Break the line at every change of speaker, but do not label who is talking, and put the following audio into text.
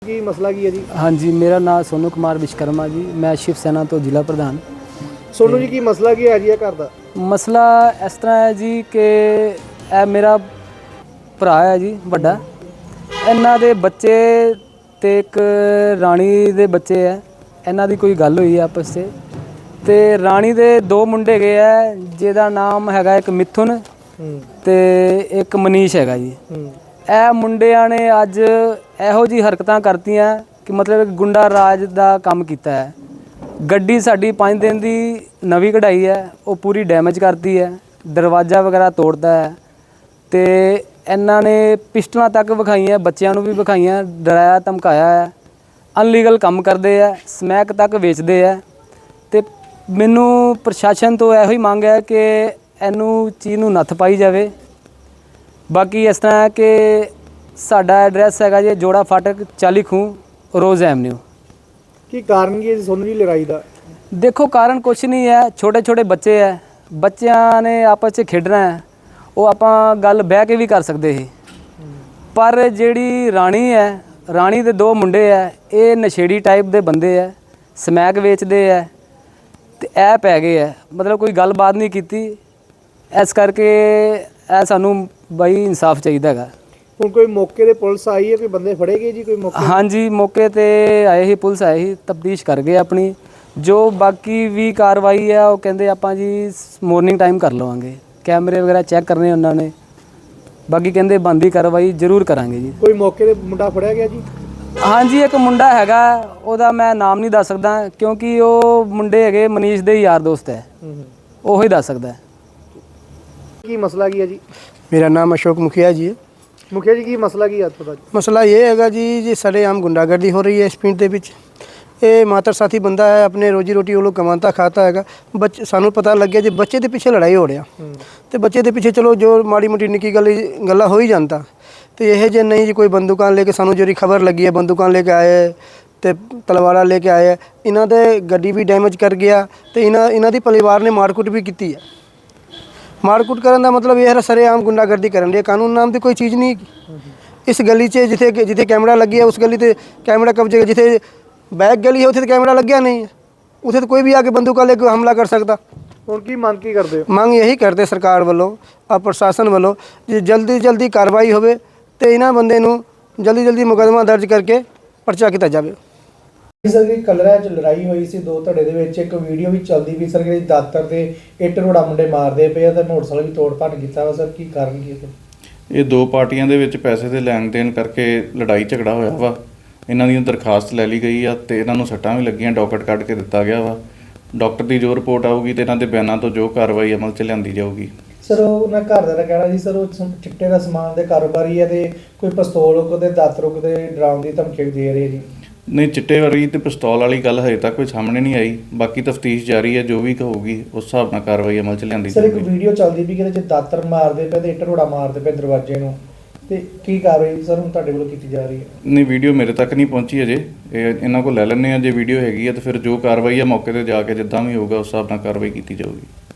ਕੀ ਮਸਲਾ ਕੀ ਹੈ ਜੀ?
हाँ जी, मेरा नाम सोनू कुमार विश्वकर्मा जी। मैं शिव सेना तो जिला प्रधान।
ਸੋਨੂੰ ਜੀ ਕੀ ਮਸਲਾ ਕੀ ਹੈ ਜੀ ਇਹ ਘਰ ਦਾ?
ਮਸਲਾ ਇਸ ਤਰ੍ਹਾਂ ਹੈ ਜੀ ਕਿ ਇਹ ਮੇਰਾ ਭਰਾ ਹੈ ਜੀ ਵੱਡਾ। ਇਹਨਾਂ ਦੇ ਬੱਚੇ ਤੇ ਇੱਕ ਰਾਣੀ ਦੇ ਬੱਚੇ ਹੈ। ਇਹਨਾਂ ਦੀ ਕੋਈ ਗੱਲ ਹੋਈ ਆਪਸ 'ਚ ਤੇ ਰਾਣੀ ਦੇ ਦੋ ਮੁੰਡੇ ਹੈਗੇ ਆ, ਜਿਹਦਾ ਨਾਮ ਹੈਗਾ ਇੱਕ ਮਿਥੁਨ ਤੇ ਇੱਕ ਮਨੀਸ਼ ਹੈਗਾ ਜੀ। ਇਹ ਮੁੰਡਿਆਂ ਨੇ ਅੱਜ ਇਹੋ ਜਿਹੀ ਹਰਕਤਾਂ ਕਰਤੀਆਂ ਕਿ ਮਤਲਬ ਗੁੰਡਾ ਰਾਜ ਦਾ ਕੰਮ ਕੀਤਾ ਹੈ। ਗੱਡੀ ਸਾਡੀ 5 ਦਿਨ ਦੀ ਨਵੀਂ ਕਢਾਈ ਹੈ, ਉਹ ਪੂਰੀ ਡੈਮੇਜ ਕਰਤੀ ਹੈ, ਦਰਵਾਜ਼ਾ ਵਗੈਰਾ ਤੋੜਦਾ ਹੈ ਤੇ ਇਹਨਾਂ ਨੇ ਪਿਸਟਲਾਂ ਤੱਕ ਵਿਖਾਈਆਂ, ਬੱਚਿਆਂ ਨੂੰ ਵੀ ਵਿਖਾਈਆਂ, ਡਰਾਇਆ ਧਮਕਾਇਆ ਹੈ। ਅਨਲੀਗਲ ਕੰਮ ਕਰਦੇ ਹੈ, ਸਮੈਕ ਤੱਕ ਵੇਚਦੇ ਹੈ ਤੇ ਮੈਨੂੰ ਪ੍ਰਸ਼ਾਸਨ ਤੋਂ ਇਹੋ ਹੀ ਮੰਗ ਹੈ ਕਿ ਇਹਨੂੰ ਚੀਜ਼ ਨੂੰ ਨੱਥ ਪਾਈ ਜਾਵੇ। ਬਾਕੀ ਇਸ ਤਰ੍ਹਾਂ ਹੈ ਕਿ ਸਾਡਾ ਐਡਰੈਸ ਹੈਗਾ ਜੀ ਜੋੜਾ ਫਾਟਕ 40 ਖੂਹ ਰੋਜ਼ ਐਵਨਿਊ।
ਕੀ ਕਾਰਨ ਕੀ ਹੈ ਜੀ ਸੋਨੂੰ ਜੀ ਲੜਾਈ ਦਾ?
ਦੇਖੋ ਕਾਰਨ ਕੁਛ ਨਹੀਂ ਹੈ, ਛੋਟੇ ਛੋਟੇ ਬੱਚੇ ਹੈ, ਬੱਚਿਆਂ ਨੇ ਆਪਸ 'ਚ ਖੇਡਣਾ ਹੈ, ਉਹ ਆਪਾਂ ਗੱਲ ਬਹਿ ਕੇ ਵੀ ਕਰ ਸਕਦੇ ਸੀ। ਪਰ ਜਿਹੜੀ ਰਾਣੀ ਹੈ, ਰਾਣੀ ਦੇ ਦੋ ਮੁੰਡੇ ਹੈ, ਇਹ ਨਸ਼ੇੜੀ ਟਾਈਪ ਦੇ ਬੰਦੇ ਹੈ, ਸਮੈਕ ਵੇਚਦੇ ਹੈ ਤੇ ਇਹ ਪੈ ਗਏ ਹੈ, ਮਤਲਬ ਕੋਈ ਗੱਲਬਾਤ ਨਹੀਂ ਕੀਤੀ। ਇਸ ਕਰਕੇ ਇਹ ਸਾਨੂੰ ਬਾਈ ਇਨਸਾਫ ਚਾਹੀਦਾ ਹੈਗਾ।
ਹੁਣ ਕੋਈ ਮੌਕੇ ਤੇ ਪੁਲਿਸ ਆਈ ਹੈ, ਕੋਈ ਬੰਦੇ ਫੜੇ ਗਏ ਜੀ ਕੋਈ ਮੌਕੇ?
ਹਾਂਜੀ, ਮੌਕੇ ਤੇ ਆਏ ਸੀ, ਪੁਲਿਸ ਆਏ ਸੀ, ਤਫਤੀਸ਼ ਕਰ ਗਏ ਆਪਣੀ। ਜੋ ਬਾਕੀ ਵੀ ਕਾਰਵਾਈ ਹੈ ਉਹ ਕਹਿੰਦੇ ਆਪਾਂ ਜੀ ਮਾਰਨਿੰਗ ਟਾਈਮ ਕਰ ਲਵਾਂਗੇ, ਕੈਮਰੇ ਵਗੈਰਾ ਚੈੱਕ ਕਰਨੇ ਉਹਨਾਂ ਨੇ। ਬਾਕੀ ਕਹਿੰਦੇ ਬਣਦੀ ਕਾਰਵਾਈ ਜ਼ਰੂਰ ਕਰਾਂਗੇ ਜੀ।
ਕੋਈ ਮੌਕੇ ਤੇ ਮੁੰਡਾ ਫੜਿਆ ਗਿਆ ਜੀ?
ਹਾਂਜੀ, ਇੱਕ ਮੁੰਡਾ ਹੈਗਾ, ਉਹਦਾ ਮੈਂ ਨਾਮ ਨਹੀਂ ਦੱਸ ਸਕਦਾ ਕਿਉਂਕਿ ਉਹ ਮੁੰਡੇ ਹੈਗੇ ਮਨੀਸ਼ ਦੇ ਯਾਰ ਦੋਸਤ ਹੈ, ਉਹੀ ਦੱਸ ਸਕਦਾ।
ਕੀ ਮਸਲਾ ਕੀ ਹੈ ਜੀ?
मेरा नाम अशोक मुखिया जी है।
ਮੁਖੀਆ ਜੀ ਕੀ ਮਸਲਾ ਕੀ ਹੈ ਤੁਹਾਡਾ?
मसला ये हैगा जी सरेआम गुंडागर्दी हो रही है इस पिंड ਦੇ ਵਿੱਚ। ਇਹ ਮਾਤਰ ਸਾਥੀ ਬੰਦਾ ਹੈ, ਆਪਣੇ ਰੋਜੀ ਰੋਟੀ ਉਹ ਲੋਕ ਕਮਾਉਂਦਾ ਖਾਤਾ ਹੈਗਾ। ਸਾਨੂੰ ਪਤਾ ਲੱਗਿਆ ਜੀ ਬੱਚੇ ਦੇ ਪਿੱਛੇ ਲੜਾਈ ਹੋ ਰਿਹਾ ਤੇ ਬੱਚੇ ਦੇ ਪਿੱਛੇ ਚਲੋ ਜੋ ਮਾੜੀ ਮੋਟੀ ਨਿੱਕੀ ਗੱਲਾਂ ਹੋ ਹੀ ਜਾਂਦਾ ਤੇ ਇਹ ਜੇ ਨਹੀਂ ਜੀ ਕੋਈ ਬੰਦੂਕਾਂ ਲੈ ਕੇ ਸਾਨੂੰ ਜਿਹੜੀ ਖਬਰ ਲੱਗੀ ਹੈ ਬੰਦੂਕਾਂ ਲੈ ਕੇ ਆਏ ਤੇ ਤਲਵਾਰਾਂ ਲੈ ਕੇ ਆਏ। ਇਹਨਾਂ ਦੇ ਗੱਡੀ ਵੀ ਡੈਮੇਜ ਕਰ ਗਿਆ ਤੇ ਇਹਨਾਂ ਦੀ ਪਰਿਵਾਰ ਨੇ ਮਾਰਕੁੱਟ ਵੀ ਕੀਤੀ ਹੈ। ਮਾਰਕੁੱਟ ਕਰਨ ਦਾ ਮਤਲਬ ਇਹ ਹੈ ਸਰੇਆਮ ਗੁੰਡਾਗਰਦੀ ਕਰਨ ਦੀ। ਕਾਨੂੰਨ ਨਾਮ ਦੀ ਕੋਈ ਚੀਜ਼ ਨਹੀਂ। ਇਸ ਗਲੀ 'ਚ ਜਿੱਥੇ ਕੈਮਰਾ ਲੱਗਿਆ ਉਸ ਗਲੀ ਤੇ ਕੈਮਰਾ ਕਬਜ਼ੇ, ਜਿੱਥੇ बैक गली है उसे तो कैमरा लग गया नहीं है, उसे तो कोई भी आके बंदूका लेके हमला कर सकता।
ਹੁਣ ਕੀ ਮੰਗ ਕੀ ਕਰਦੇ ਹੋ?
ਮੰਗ यही करते सरकार वालों और प्रशासन वालों जी जल्दी कार्रवाई होवे तो इन्होंने बंदे नूं जल्दी मुकदमा दर्ज करके परचा किया जाए।
ਸਰ ਜੀ ਕਲਰਾ 'ਚ ਲੜਾਈ ਹੋਈ ਸੀ ਦੋ ਧੜੇ ਦੇ ਵਿੱਚ, ਇੱਕ ਵੀਡੀਓ ਵੀ ਚੱਲਦੀ ਵੀ ਸਰ ਕਿ ਦਾਤਰ ਦੇ ਇੱਟ ਰੋੜਾ ਮੁੰਡੇ ਮਾਰਦੇ ਪਏ ਆ ਤੇ ਮੋਟਰਸਾਈਕਲ ਵੀ ਤੋੜ ਭੰਨ ਕੀਤਾ ਵਾ। ਸਰ ਕੀ ਕਾਰਨ ਕੀ ਹੈ?
ਇਹ ਦੋ ਪਾਰਟੀਆਂ ਦੇ ਵਿੱਚ ਪੈਸੇ ਦੇ ਲੈਣ ਦੇਣ ਕਰਕੇ ਲੜਾਈ ਝਗੜਾ ਹੋਇਆ ਵਾ। ਇਹਨਾਂ ਦੀ ਦਰਖਾਸਤ ਲੈ ਲਈ ਗਈ ਆ ਤੇ ਇਹਨਾਂ ਨੂੰ ਸੱਟਾਂ ਵੀ ਲੱਗੀਆਂ, ਡਾਕਟਰ ਕੱਢ ਕੇ ਦਿੱਤਾ ਗਿਆ ਵਾ। ਡਾਕਟਰ ਦੀ ਜੋ ਰਿਪੋਰਟ ਆਊਗੀ ਤੇ ਇਹਨਾਂ ਦੇ ਬਿਆਨਾਂ ਤੋਂ ਜੋ ਕਾਰਵਾਈ ਅਮਲ 'ਚ ਲਿਆਂਦੀ ਜਾਊਗੀ।
ਸਰ ਉਹਨਾਂ ਘਰ ਦਾ ਕਹਿਣਾ ਜੀ ਸਰ ਉਹ ਚਿੱਟੇ ਦਾ ਸਮਾਨ ਦੇ ਕਾਰੋਬਾਰੀ ਹੈ ਤੇ ਕੋਈ ਪਿਸਤੌਲ ਉਹਦੇ ਦਾਤਰ ਉਹਦੇ ਡਰਾਉਣ ਦੀ ਧਮਕੀ ਦੇ ਰਹੇ ਜੀ।
ਨਹੀਂ, ਚਿੱਟੇ ਵਾਲੀ ਤੇ ਪਿਸਤੌਲ ਵਾਲੀ ਗੱਲ ਹਜੇ ਤੱਕ ਕੋਈ ਸਾਹਮਣੇ ਨਹੀਂ ਆਈ। ਬਾਕੀ ਤਫਤੀਸ਼ ਜਾਰੀ ਹੈ, ਜੋ ਵੀ ਹੋਊਗੀ ਉਸ ਹਿਸਾਬ ਨਾਲ ਕਾਰਵਾਈ ਅਮਲ 'ਚ ਲਿਆਂਦੀ
ਸਰ ਇੱਕ
ਜਾਊਗੀ।
ਵੀਡੀਓ ਚੱਲਦੀ ਵੀ ਕਿਤੇ ਦਾਤਰ ਮਾਰਦੇ ਪਏ ਤੇ ਇੱਟ ਰੋੜਾ ਮਾਰਦੇ ਪਏ ਦਰਵਾਜ਼ੇ ਨੂੰ, ਤੇ ਕੀ ਕਾਰਵਾਈ ਸਰ ਹੁਣ ਤੁਹਾਡੇ ਵੱਲੋਂ ਕੀਤੀ ਜਾ ਰਹੀ ਹੈ?
ਨਹੀਂ, ਵੀਡੀਓ ਮੇਰੇ ਤੱਕ ਨਹੀਂ ਪਹੁੰਚੀ ਅਜੇ। ਇਹਨਾਂ ਕੋਲ ਲੈ ਲੈਂਦੇ ਆ, ਜੇ ਵੀਡੀਓ ਹੈਗੀ ਆ ਤਾਂ ਫਿਰ ਜੋ ਕਾਰਵਾਈ ਆ ਮੌਕੇ 'ਤੇ ਜਾ ਕੇ ਜਿੱਦਾਂ ਵੀ ਹੋਊਗਾ ਉਸ ਹਿਸਾਬ ਨਾਲ ਕਾਰਵਾਈ ਕੀਤੀ ਜਾਊਗੀ।